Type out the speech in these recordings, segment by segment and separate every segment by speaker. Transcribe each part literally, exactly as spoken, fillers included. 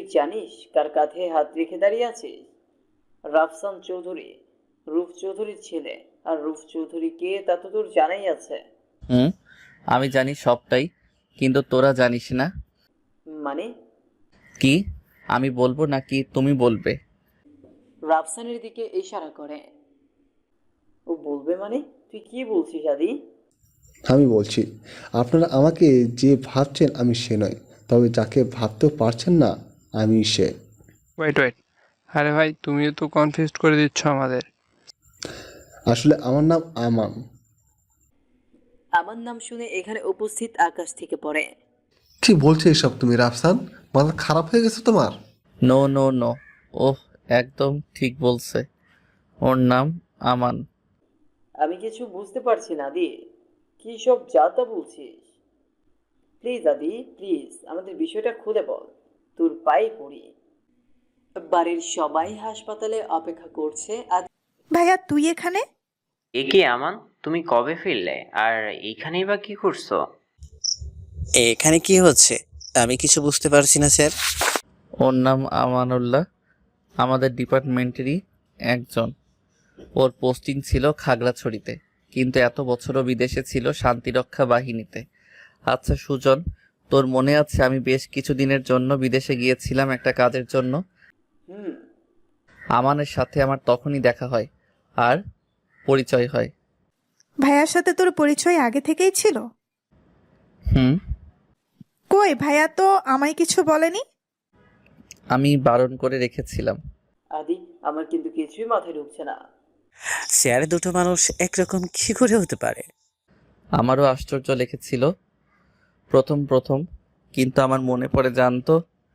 Speaker 1: জানিস কার কাঁধে হাত রেখে দাঁড়িয়ে আছিস? রাফসান চৌধুরী, রূপ চৌধুরীর ছেলে। আর রূপ চৌধুরী কে তা তো তোর জানাই আছে।
Speaker 2: হুম, আমি জানি সবটাই, কিন্তু তোরা জানিস না।
Speaker 1: মানে?
Speaker 2: কি? আমি বলবো নাকি তুমি বলবে?
Speaker 1: রাফসানের দিকে ইশারা করে। ও বলবে মানে? তুই কি বলছিস আদি?
Speaker 3: আমি বলছি, আপনারা আমাকে যে ভাবছেন আমি সে নয়, তবে যাকে ভাবতেও পারছেন না আমি সে।
Speaker 4: ওয়েট ওয়েট আরে ভাই, তুমিও তো কনফিউজ করে দিচ্ছ আমাদের।
Speaker 3: আসলে আমার নাম আমান।
Speaker 1: আমার নাম শুনে এখানে উপস্থিত আকাশ থেকে পড়ে।
Speaker 5: কি বলছো এসব তুমি রাফসান? মাথা খারাপ হয়ে গেছে তোমার?
Speaker 2: নো নো নো, ওহ, একদম ঠিক বলছে। ওর নাম আমান।
Speaker 1: আমি কিছু বুঝতে পারছি না আদি। কি সব যা তা বলছিস? প্লিজ আদি, প্লিজ আমাদের বিষয়টা খুলে বল। তোর পায়ে পড়ি। বাড়ির সবাই হাসপাতালে অপেক্ষা করছে। আর
Speaker 6: ভাইয়া তুই এখানে?
Speaker 7: এ কি আমান, তুমি কবে ফিরলে? আর এইখানেই বা কি করছো?
Speaker 8: এখানে কি হচ্ছে আমি কিছু বুঝতে পারছি না স্যার।
Speaker 2: ওর নাম আমানুল্লাহ, আমাদের ডিপার্টমেন্টেরই একজন। ওর পোস্টিং ছিল খাগড়াছড়িতে, কিন্তু এত বছরও বিদেশে ছিল শান্তিরক্ষা বাহিনীতে। আচ্ছা সুজন, তোর মনে আছে আমি বেশ কিছুদিনের জন্য বিদেশে গিয়েছিলাম একটা কাজের জন্য?
Speaker 1: হুম।
Speaker 2: আমানের সাথে আমার তখনই দেখা হয় আর পরিচয় হয়।
Speaker 6: ভাইয়ার সাথে তোর পরিচয় আগে থেকেই ছিল?
Speaker 2: হুম।
Speaker 6: কই ভাইয়া তো আমায় কিছু বলেনি।
Speaker 2: আমি বারণ করে রেখেছিলাম।
Speaker 1: আদি, আমার কিন্তু কিছুই মাথায় ঢুকছে না।
Speaker 8: স্যার দুটো মানুষ একরকম কি করে হতে পারে?
Speaker 2: আমারও আশ্চর্য লেগেছিল প্রথম প্রথম, কিন্তু আমার মনে পড়ে জানতো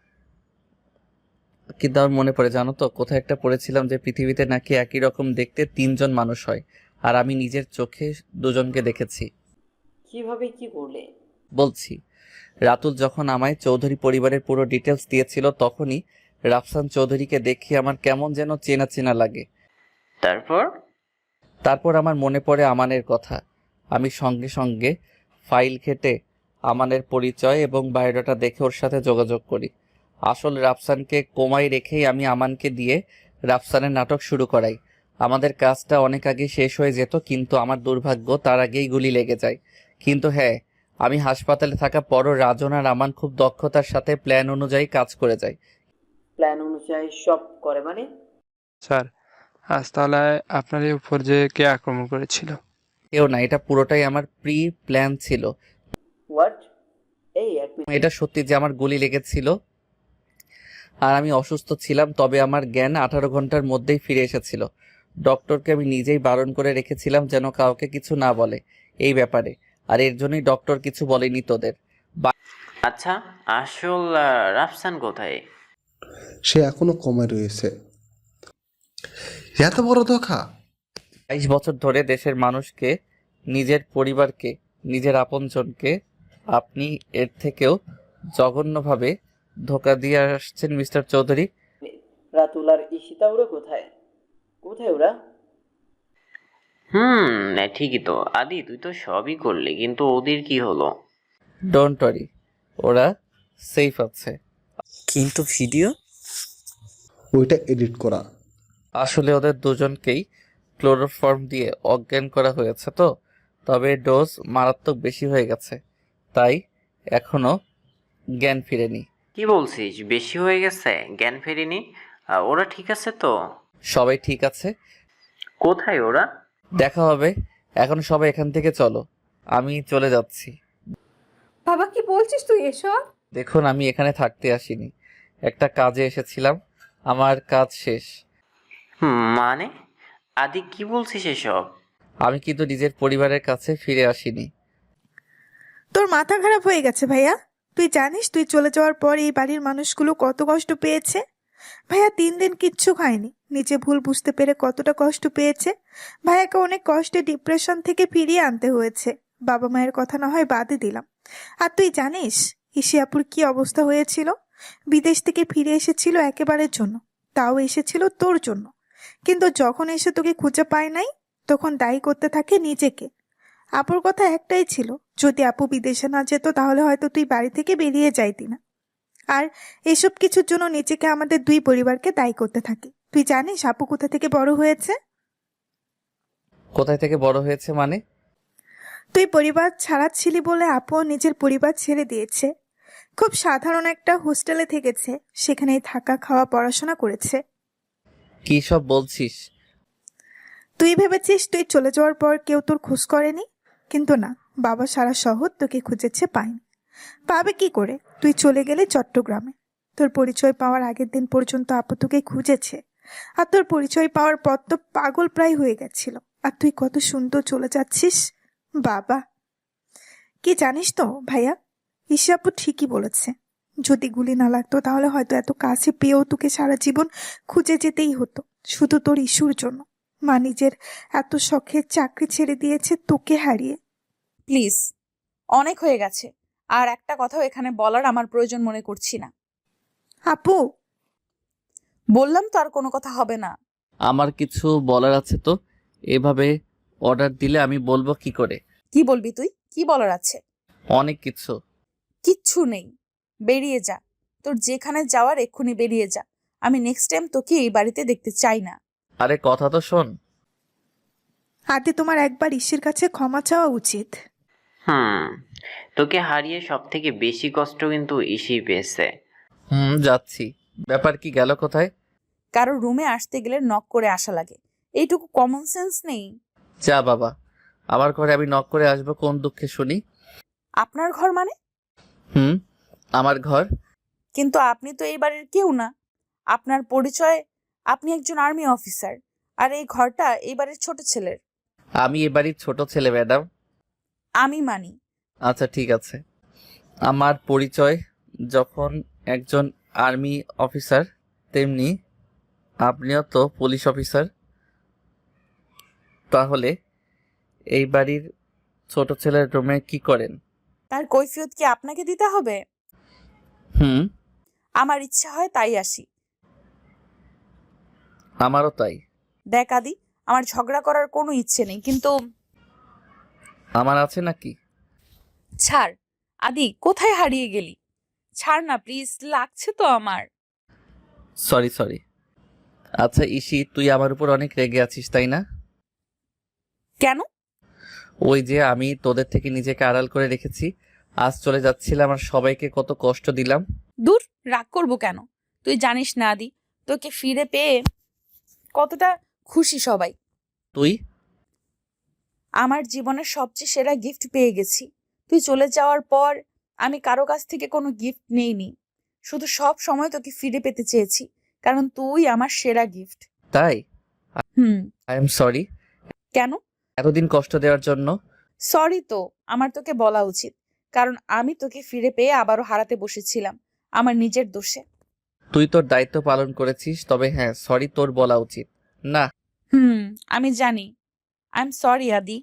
Speaker 2: কিন্তু আমার মনে পড়ে জানো তো কোথায় একটা পড়েছিলাম যে পৃথিবীতে নাকি একই রকম দেখতে তিনজন মানুষ হয়, আর আমি নিজের চোখে দুজনকে দেখেছি।
Speaker 1: কিভাবে কি করলে?
Speaker 2: বলছি, রাতুল যখন আমায় চৌধুরী পরিবারের পুরো ডিটেলস দিয়েছিল তখনই রাফসান চৌধুরীকে দেখে আমার কেমন যেন চেনা চেনা লাগে।
Speaker 7: তারপর?
Speaker 2: তারপর আমার মনে পড়ে আমানের কথা। আমি সঙ্গে সঙ্গে ফাইল ঘেটে আমানের পরিচয় এবং বায়োডাটা দেখে ওর সাথে যোগাযোগ করি। আসল রাফসানকে কোমায় রেখেই আমি আমানকে দিয়ে রাফসানের নাটক শুরু করাই। আমাদের কাজটা অনেক আগে শেষ হয়ে যেত, কিন্তু আমার দুর্ভাগ্য তার আগেই গুলি লেগে যায়। কিন্তু হ্যাঁ, আমি হাসপাতালে থাকা পরও রাজন আর আমান খুব দক্ষতার সাথে প্ল্যান অনুযায়ী কাজ করে যায়।
Speaker 1: প্ল্যান অনুযায়ী সব করে মানে?
Speaker 4: স্যার, আজ তাহলে আপনার উপর যে কে আক্রমণ করেছিল?
Speaker 2: কেউ না, এটা পুরোটাই আমার প্রি প্ল্যান ছিল।
Speaker 1: হোয়াট? এই এক মিনিট।
Speaker 2: এটা সত্যি যে আমার গুলি লেগেছিল আর আমি অসুস্থ ছিলাম, তবে আমার জ্ঞান আঠারো ঘন্টার মধ্যেই ফিরে এসেছিল। ডক্টরকে আমি নিজেই বারণ করে রেখেছিলাম যেন কাউকে কিছু না বলে এই ব্যাপারে, আর এর জন্যই ডক্টর কিছু বলেনি তোদের।
Speaker 7: আচ্ছা, আসল আহ, রাফসান কোথায়?
Speaker 3: সে এখনো কমে রয়েছে।
Speaker 5: এত বড় ধোঁকা!
Speaker 2: বাইশ বছর ধরে দেশের মানুষকে, নিজের পরিবারকে, নিজের আপনজনকে আপনি এর থেকেও জঘন্যভাবে ধোঁকা দিয়ে আসছেন মিস্টার চৌধুরী।
Speaker 1: রাতুল আর ঈশিতা ওরা কোথায়? কোথায় ওরা?
Speaker 7: হুম, না, ঠিকই তো। আদি, তুই তো সবই করলি, কিন্তু ওদের কি হলো?
Speaker 2: ডোন্ট ওয়ারি, ওরা সেফ আছে।
Speaker 8: কিন্তু ভিডিও?
Speaker 3: ওইটা এডিট করা।
Speaker 2: আসলে ওদের দুজনকেই ক্লোরোফর্ম দিয়ে অজ্ঞান করা হয়েছে তো, তবে ডোজ মারাত্মক বেশি হয়ে গেছে, তাই এখনো জ্ঞান ফিরেনি।
Speaker 7: কি বলছিস, বেশি হয়ে গেছে? জ্ঞান ফেরেনি? আহ, ওরা ঠিক আছে তো?
Speaker 2: সবাই ঠিক আছে,
Speaker 7: কোথায় ওরা?
Speaker 2: দেখা হবে। এখন সবাই এখান থেকে চলো, আমি চলে যাচ্ছি।
Speaker 9: বাবা কি বলছিস তুই এসব?
Speaker 2: দেখুন, আমি এখানে থাকতে আসিনি, একটা কাজে এসেছিলাম, আমার কাজ শেষ।
Speaker 7: হুম, মানে? আদি, কি বলছিস এসব?
Speaker 2: আমি কিন্তু নিজের পরিবারের কাছে ফিরে আসিনি।
Speaker 6: তোর মাথা খারাপ হয়ে গেছে ভাইয়া। তুই জানিস তুই চলে যাওয়ার পর এই বাড়ির মানুষগুলো কত কষ্ট পেয়েছে? ভাইয়া তিন দিন কিচ্ছু খায়নি, নিজে ভুল বুঝতে পেরে কতটা কষ্ট পেয়েছে। ভাইয়াকে অনেক কষ্টে ডিপ্রেশন থেকে ফিরিয়ে আনতে হয়েছে। বাবা মায়ের কথা না হয় বাদই দিলাম। আর তুই জানিস ইশিয়াপুর কি অবস্থা হয়েছিল? বিদেশ থেকে ফিরে এসেছিল একেবারের জন্য, তাও এসেছিল তোর জন্য। কিন্তু যখন এসে তোকে খুঁজে পায় নাই, তখন দায়ী করতে থাকে নিজেকে। আপুর কথা একটাই ছিল, যদি আপু বিদেশে না যেত তাহলে হয়তো তুই বাড়ি থেকে বেরিয়ে যাইতি না। আর এসব কিছুর জন্য নিজেকে আমাদের দুই পরিবারকে দায়ী করতে থাকি। তুই জানিস আপু কোথা থেকে বড় হয়েছে?
Speaker 2: কোথায় থেকে বড় হয়েছে মানে?
Speaker 6: তুই পরিবার ছাড়া ছিলি বলে আপু নিজের পরিবার ছেড়ে দিয়েছে। খুব সাধারণ একটা হোস্টেলে থেকেছে, সেখানেই থাকা খাওয়া পড়াশোনা করেছে।
Speaker 2: কি সব বলছিস?
Speaker 6: তুই ভেবেছিস তুই চলে যাওয়ার পর কেউ তোর খোঁজ করেনি, কিন্তু না, বাবা সারা শহর তোকে খুঁজেছে, পায়নি। পাবে কি করে? তুই চলে গেলে চট্টগ্রামে। তোর পরিচয় পাওয়ার আগের দিন পর্যন্ত আপু তোকে খুঁজেছে, আর তোর পরিচয় পাওয়ার পর তো পাগল প্রায় হয়ে গেছিল। আর তুই কত সুন্দর চলে যাচ্ছিস। বাবা, কি জানিস তো ভাইয়া, ঈশা আপু ঠিকই বলেছে। যদি গুলি না লাগতো তাহলে হয়তো এত কাছে পেয়েও তোকে সারা জীবন খুঁজে যেতেই হতো, শুধু তোর ইস্যুর জন্য। মা নিজের এত শখের চাকরি ছেড়ে দিয়েছে তোকে হারিয়ে।
Speaker 10: প্লিজ, অনেক হয়ে গেছে। আর একটা কথাও এখানে বলার আমার প্রয়োজন মনে করছি না।
Speaker 6: আপু,
Speaker 10: বললাম তো আর কোনো কথা হবে না।
Speaker 2: আমার কিছু বলার আছে তো। এভাবে অর্ডার দিলে আমি বলবো কি করে?
Speaker 10: কি বলবি তুই? কি বলার আছে?
Speaker 2: অনেক কিছু।
Speaker 10: কিচ্ছু নেই, বেরিয়ে যা। তোর যেখানে যাওয়ার এক্ষুনি বেরিয়ে যা। আমি নেক্সট টাইম তোকে এই বাড়িতে দেখতে চাই না।
Speaker 2: আরে কথা তো শোন।
Speaker 6: আদি তোমার একবার ঈশ্বরের কাছে ক্ষমা চাওয়া উচিত।
Speaker 7: হুম তোকে হারিয়ে সব থেকে বেশি কষ্ট কিন্তু ইসি পেয়েছে।
Speaker 2: হুম, যাচ্ছি। ব্যাপার কি, গেল কোথায়?
Speaker 10: কারো রুমে আসতে গেলে নক করে আসা লাগে, এইটুকু কমন সেন্স নেই?
Speaker 2: যা বাবা, আমার ঘরে আমি নক করে আসবো কোন দুঃখে শুনি?
Speaker 10: আপনার ঘর মানে?
Speaker 2: হুম, আমার ঘর।
Speaker 10: কিন্তু আপনি তো এই বাড়ির কেউ না। আপনার পরিচয়, আপনি একজন আর্মি অফিসার, আর এই ঘরটা এই বাড়ির ছোট ছেলের।
Speaker 2: আমি এ বাড়ির ছোট ছেলে ম্যাডাম।
Speaker 10: আমি মানি।
Speaker 2: আচ্ছা ঠিক আছে। আমার পরিচয় যখন একজন আর্মি অফিসার, তেমনি আপনিও তো পুলিশ অফিসার। তাহলে এই বাড়ির ছোট ছেলের রুমে কি করেন?
Speaker 10: তার কৈফিয়ত কি আপনাকে দিতে হবে?
Speaker 2: হুম,
Speaker 10: আমার ইচ্ছা হয় তাই আসি।
Speaker 2: আমারও তাই।
Speaker 10: দেখ আদি, আমার ঝগড়া করার কোনো ইচ্ছে নেই, কিন্তু
Speaker 2: আমার আছে নাকি?
Speaker 10: ছাড়। আদি, কোথায় হারিয়ে গেলি? ছাড় না প্লিজ, লাগছে তো আমার।
Speaker 2: Sorry sorry. আচ্ছা ইসি, তুই আমার উপর অনেক রেগে আছিস তাই না?
Speaker 10: কেন?
Speaker 2: ওই যে আমি তোদের থেকে নিজেকে আড়াল করে রেখেছি, আজ চলে যাচ্ছিলাম আর সবাইকে কত কষ্ট দিলাম।
Speaker 10: দূর, রাগ করবো কেন? তুই জানিস না আদি, তোকে ফিরে পেয়ে কতটা খুশি সবাই।
Speaker 2: তুই?
Speaker 10: আমার জীবনের সবচেয়ে সেরা গিফট পেয়ে গেছি। তুই চলে যাওয়ার পর আমি কারো কাছ থেকে কোনো গিফট নেইনি, শুধু সব সময় তোকে ফিরে পেতে চেয়েছি, কারণ তুই আমার সেরা গিফট।
Speaker 2: তাই?
Speaker 10: হুম।
Speaker 2: আই এম সরি
Speaker 10: কেন?
Speaker 2: এতদিন কষ্ট দেওয়ার জন্য।
Speaker 10: সরি তো আমার তোকে বলা উচিত, কারণ আমি তোকে ফিরে পেয়ে আবারও হারাতে বসেছিলাম আমার নিজের দোষে।
Speaker 2: তুই তোর দায়িত্ব পালন করেছিস, তবে হ্যাঁ, সরি তোর বলা উচিত না।
Speaker 10: হুম, আমি জানি। আই এম সরি আদি।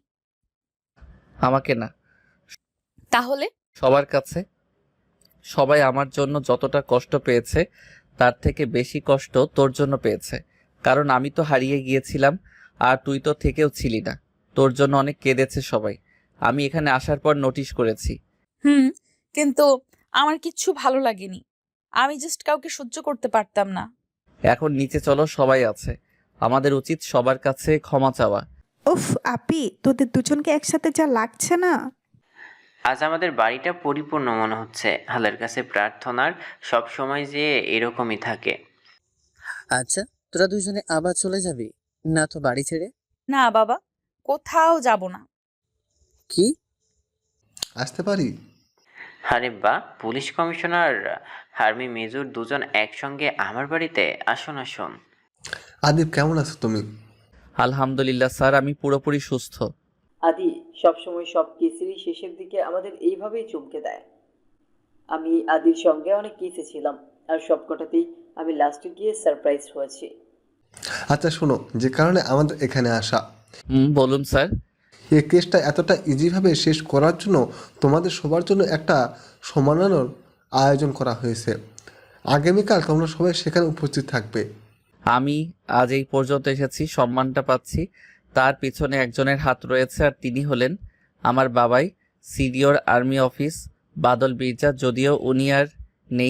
Speaker 2: আমাকে না,
Speaker 10: তাহলে?
Speaker 2: সবার কাছে। সবাই আমার জন্য যতটা কষ্ট পেয়েছে তার থেকে বেশি কষ্ট তোর জন্য পেয়েছে, কারণ আমি তো হারিয়ে গিয়েছিলাম আর তুই তো থেকেও ছিলি না। তোর জন্য অনেক কেঁদেছে সবাই। আমি এখানে আসার পর নোটিশ করেছি।
Speaker 10: হুম, কিন্তু আমার কিচ্ছু ভালো লাগেনি। আমি জাস্ট কাউকে সহ্য করতে পারতাম না।
Speaker 2: এখন নিচে চলো, সবাই আছে, আমাদের উচিত সবার কাছে ক্ষমা চাওয়া।
Speaker 6: উফ আপি, তোদের দুজনকে একসাথে যা লাগছে না।
Speaker 7: আজ আমাদের বাড়িটা পরিপূর্ণ মনে হচ্ছে। আল্লাহর কাছে প্রার্থনার সব সময় যে এরকমই থাকে।
Speaker 8: আচ্ছা, তোরা দুজনে আবার চলে যাবি না তো বাড়ি ছেড়ে?
Speaker 10: না বাবা, কোথাও যাব না।
Speaker 8: কি?
Speaker 5: আসতে পারি?
Speaker 7: আরে বা, পুলিশ কমিশনার আর্মি মেজর দুজন একসঙ্গে আমার বাড়িতে? আসুন আসুন।
Speaker 5: আদিব, কেমন আছো তুমি?
Speaker 2: আলহামদুলিল্লাহ স্যার, আমি পুরোপুরি সুস্থ।
Speaker 1: আদি সবসময় সব কেসেরই শেষের দিকে আমাদের এইভাবেই চমকে দেয়। আমি আদির সঙ্গে অনেক কেসে ছিলাম, আর সবকটাতেই আমি লাস্টে গিয়ে সারপ্রাইজ হয়েছি।
Speaker 5: আচ্ছা শোনো, যে কারণে আমাদের এখানে আসা,
Speaker 2: হুম, বলুন স্যার।
Speaker 5: এই কেসটা এতটা ইজিভাবে শেষ করার জন্য তোমাদের সবার জন্য একটা সম্মাননার আয়োজন করা হয়েছে। আগামীকাল তোমরা সবাই সেখানে উপস্থিত থাকবে।
Speaker 2: আমি আজ এই পর্যন্ত এসেছি, সম্মানটা পাচ্ছি, তার পিছনে একজনের হাত রয়েছে, আর তিনি হলেন আমার বাবাই, senior army office Badal Mirza. যদিও উনি আর নেই,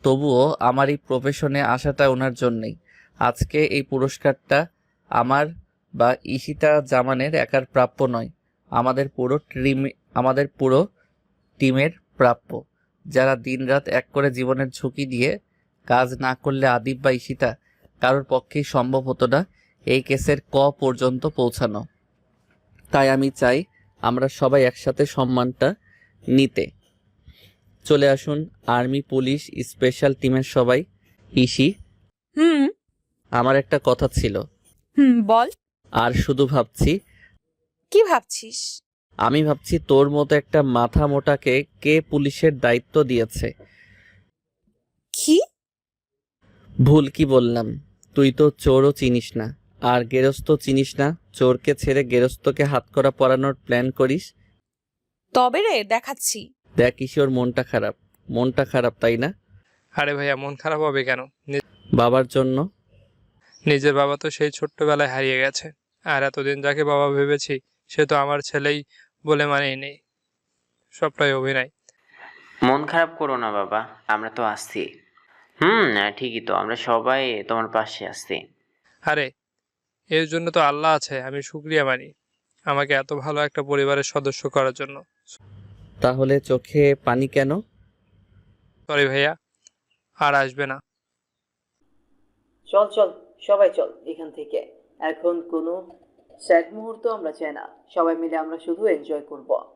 Speaker 2: তবুও আমার এই প্রফেশনে আসাটা ওনার জন্যই। আজকে এই পুরস্কারটা আমার বা ঈশিতা জামানের একার প্রাপ্য নয়, আমাদের পুরো টিম আমাদের পুরো টিমের প্রাপ্য, যারা দিনরাত এক করে জীবনের ঝুঁকি দিয়ে কাজ না করলে আদিব বা ঈশিতা কারোর পক্ষেই সম্ভব হতো না এই কেসের ক পর্যন্ত পৌঁছানো। তাই আমি চাই আমরা সবাই একসাথে সম্মানটা নিতে। চলে আসুন আর্মি, পুলিশ, স্পেশাল টিমের সবাই। ইসি,
Speaker 10: হুম
Speaker 2: আমার একটা কথা ছিল।
Speaker 10: হুম বল।
Speaker 2: আর শুধু ভাবছি,
Speaker 10: কি ভাবছিস?
Speaker 2: আমি ভাবছি তোর মতো একটা মাথা মোটাকে কে পুলিশের দায়িত্ব দিয়েছে?
Speaker 10: কি?
Speaker 2: ভুল কি বললাম? তুই তো চোরও চিনিস না, আর গেরস্ত চিনিস না। চোরকে ছেড়ে গেরস্তকে হাতকড়া পরানোর প্ল্যান করিস।
Speaker 10: তবে রে দেখাচ্ছি।
Speaker 2: দেখ কিশোর, মনটা খারাপ, মনটা খারাপ তাই না?
Speaker 4: আরে ভাইয়া, মন খারাপ হবে কেন? নি-
Speaker 2: বাবার জন্য।
Speaker 4: নিজের বাবা তো সেই ছোট্টবেলায় হারিয়ে গেছে, আর এতদিন যাকে বাবা ভেবেছি সে তো আমার ছেলেই বলে মানেই নেই। সবটাই অভিনয়।
Speaker 7: মন খারাপ করো না বাবা, আমরা তো আসছি। হুম ঠিকই তো, আমরা সবাই তোমার পাশে আসছি।
Speaker 4: আরে এর জন্য তো আল্লাহ আছে, আমি শুকরিয়া মানি আমাকে এত ভালো একটা পরিবারের সদস্য করার জন্য।
Speaker 2: তাহলে চোখে পানি কেন?
Speaker 4: সরি ভাইয়া, আর আসবে না।
Speaker 1: চল চল সবাই চল এখান থেকে। এখন কোনো স্যাড মুহূর্ত আমরা চাই না, সবাই মিলে আমরা শুধু এনজয় করব।